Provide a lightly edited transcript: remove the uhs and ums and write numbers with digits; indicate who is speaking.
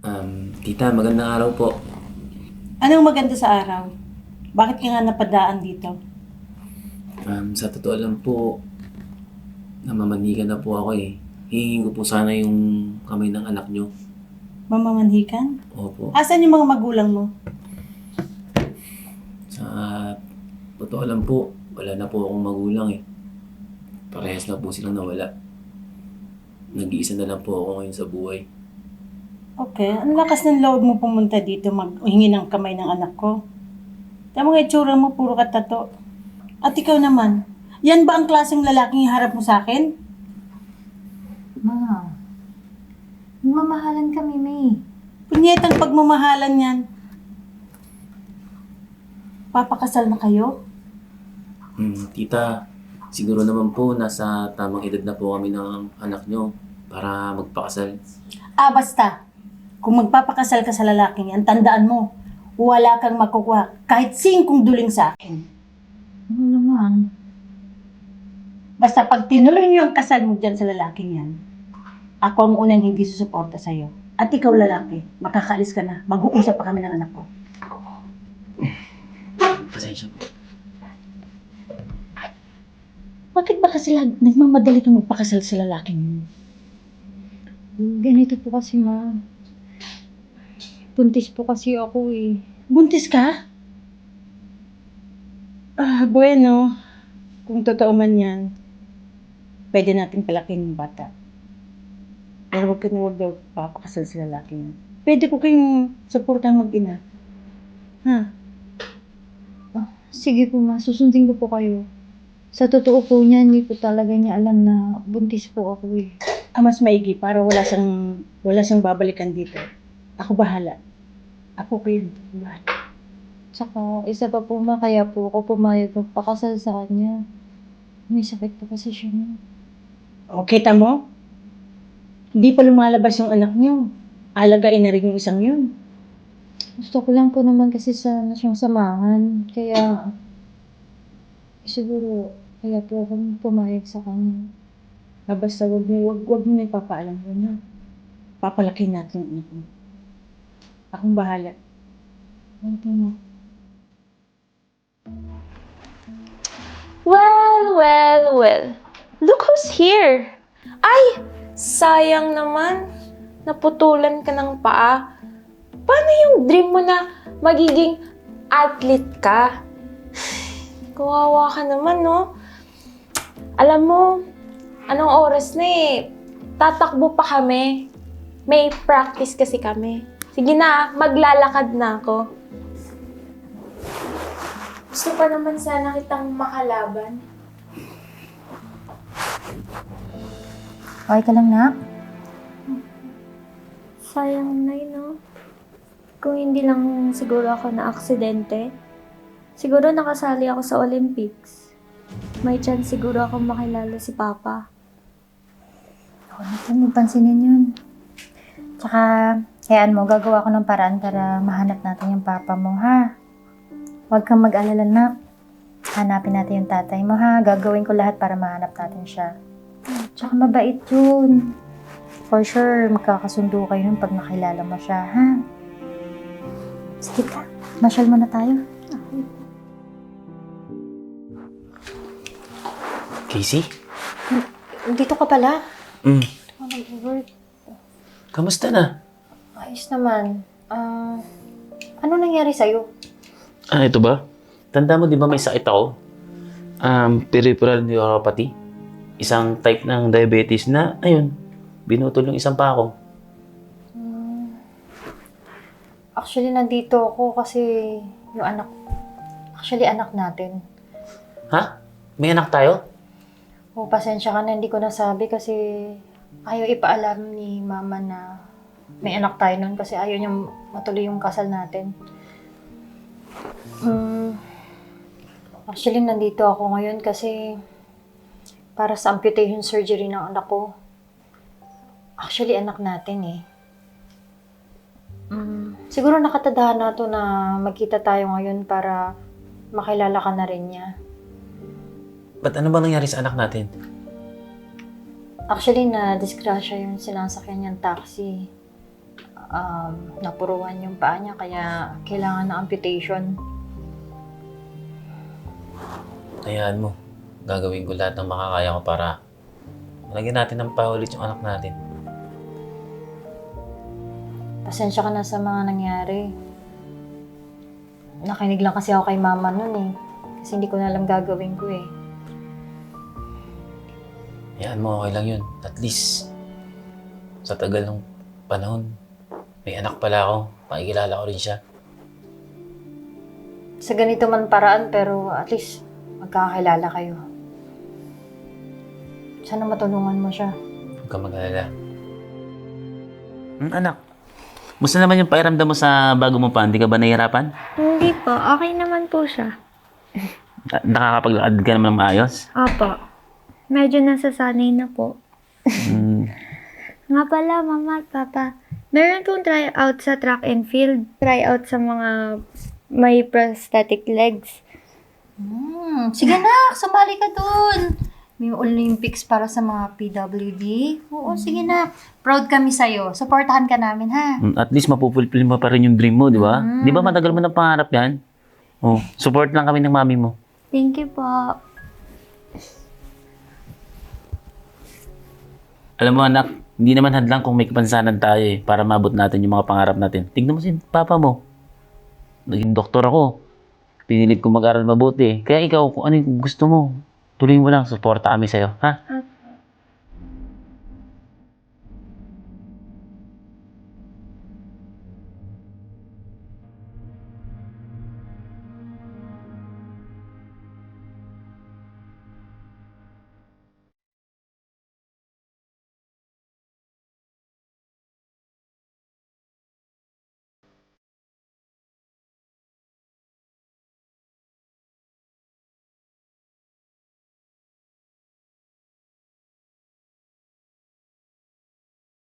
Speaker 1: Tita, magandang araw po.
Speaker 2: Anong maganda sa araw? Bakit ka nga napadaan dito?
Speaker 1: Sa totoo lang po, namamanikan na po ako eh. Hihingin ko po sana yung kamay ng anak nyo.
Speaker 2: Mamamanhikan?
Speaker 1: Opo.
Speaker 2: Asan yung mga magulang mo?
Speaker 1: Sa totoo lang po, wala na po akong magulang eh. Parehas na po silang nawala. Nag-iisa na lang po ako ngayon sa buhay.
Speaker 2: Okay, ang lakas ng loob mo pumunta dito maghingi ng kamay ng anak ko. Tama nga itsura mo, puro ka tato. At ikaw naman, yan ba ang klaseng lalaking harap mo sa akin?
Speaker 3: Ma, mamahalan kami, May.
Speaker 2: Punyetang pagmamahalan yan. Papakasal na kayo?
Speaker 1: Tita, siguro naman po nasa tamang edad na po kami ng anak nyo para magpakasal.
Speaker 2: Basta. Kung magpapakasal ka sa lalaking yan, tandaan mo, wala kang makukuha kahit 5 duling sa akin.
Speaker 3: Ano naman?
Speaker 2: Basta pag tinuloy niyo ang kasal mo dyan sa lalaking yan, ako ang unang hindi susuporta sa'yo. At ikaw lalaki, makakaalis ka na. Mag-uusap pa kami ng anak ko.
Speaker 1: Pasensya po.
Speaker 2: Bakit ba kasi nagmamadali kang magpakasal sa lalaking yun?
Speaker 3: Ganito po kasi, ma. Buntis po kasi ako eh.
Speaker 2: Buntis ka? Bueno. Kung totoo man yan, pwede natin palakin yung bata. Pero huwag daw papakasal sa lalaking yun. Pwede ko kayong supportang mag-ina. Ha?
Speaker 3: Sige po, ma. Susundin ko po kayo. Sa totoo po niya, hindi po talaga niya alam na buntis po ako eh.
Speaker 2: Mas maigi para wala siyang babalikan dito. Ako bahala. Ako kayo bahala.
Speaker 3: Tsaka, isa pa po, ma. Kaya po ako pumayag magpakasal sa kanya. May sakit po kasi siya.
Speaker 2: Okay, tamo? Hindi pa lumalabas yung anak niyo. Alagain na rin yung isang yun.
Speaker 3: Gusto ko lang po naman kasi sana siyang samahan. Kaya, siguro, kaya po ako pumayag sa kanya.
Speaker 2: Basta wag mo na ipapaalam mo na. Papalaki natin yung anak mo. Akong bahala.
Speaker 3: Ano na?
Speaker 4: Well. Look who's here. Ay, sayang naman. Naputulan ka ng paa. Paano yung dream mo na magiging athlete ka? Kawawa ka naman, no? Alam mo, anong oras na eh. Tatakbo pa kami. May practice kasi kami. Sige na, maglalakad na ako. Gusto pa naman sana kitang makalaban.
Speaker 3: Okay ka lang, nak?
Speaker 5: Sayang na no? Kung hindi lang siguro ako na aksidente, siguro nakasali ako sa Olympics. May chance siguro ako makilala si Papa.
Speaker 3: Ako natin, huwag pansinin yun. Tsaka, hayaan mo, gagawa ko ng paraan para mahanap natin yung papa mo, ha? Huwag kang mag-alala, nak. Hanapin natin yung tatay mo, ha? Gagawin ko lahat para mahanap natin siya. Tsaka mabait yun. For sure, magkakasundo kayo nun pag nakilala mo siya, ha? Sige ka, masyal muna tayo.
Speaker 1: Casey?
Speaker 3: Dito ka pala.
Speaker 1: Mm. Kamusta na?
Speaker 3: Ayos naman. Ano nangyari sa'yo?
Speaker 1: Ito ba? Tanda mo di ba may sakit ako? Peripheral neuropathy. Isang type ng diabetes na, ayun, binutol yung isang pa ako.
Speaker 3: Actually, nandito ako kasi yung anak natin.
Speaker 1: Ha? May anak tayo?
Speaker 3: O, pasensya ka na, hindi ko nasabi kasi ayaw ipaalam ni mama na may anak tayo nun kasi ayaw niya matuloy yung kasal natin. Actually, nandito ako ngayon kasi para sa amputation surgery ng anak ko. Actually, anak natin eh. Siguro nakatadahan na to na magkita tayo ngayon para makilala ka na rin niya.
Speaker 1: Ba't ano ba nangyari sa anak natin?
Speaker 3: Actually, na-disgrasya yung sinasakyan niyang taxi. napuruhan yung paa niya kaya kailangan ng amputation.
Speaker 1: Hayaan mo. Gagawin ko lahat ng makakaya ko para malagyan natin ng paulit yung anak natin.
Speaker 3: Pasensya ka na sa mga nangyari. Nakinig lang kasi ako kay mama nun eh. Kasi hindi ko na alam gagawin ko eh.
Speaker 1: Hayaan mo, okay lang yun. At least, sa tagal ng panahon, may anak pala ako. Pakikilala ko rin siya.
Speaker 3: Sa ganito man paraan pero at least magkakakilala kayo. Sana matulungan mo siya.
Speaker 1: Huwag ka mag-alala. Anak, musta naman yung pairamdam mo sa bago mo pa? Hindi ka ba nahihirapan?
Speaker 5: Hindi po, okay naman po siya.
Speaker 1: Nakakapaglakad ka naman ng maayos?
Speaker 5: Opo. Medyo nasasanay na po.
Speaker 1: Mm,
Speaker 5: Nga pala, mama at papa, meron pong tryout sa track and field. Tryout sa mga may prosthetic legs.
Speaker 3: Sige na, sumali ka dun. May Olympics para sa mga PWD. Oo, sige na. Proud kami sa'yo. Supportahan ka namin, ha?
Speaker 1: at least mapupulpil mo pa rin yung dream mo, di ba? Di ba matagal mo na pangarap yan? Oh, support lang kami ng mami mo.
Speaker 5: Thank you po.
Speaker 1: Alam mo anak, hindi naman hadlang kung may kapansanan tayo eh, para mabot natin yung mga pangarap natin. Tignan mo si papa mo. Naging doktor ako. Pinilit ko mag-aral mabuti. Kaya ikaw, kung ano yung gusto mo, tuloy mo lang, suporta kami sa'yo, ha?
Speaker 5: Opo.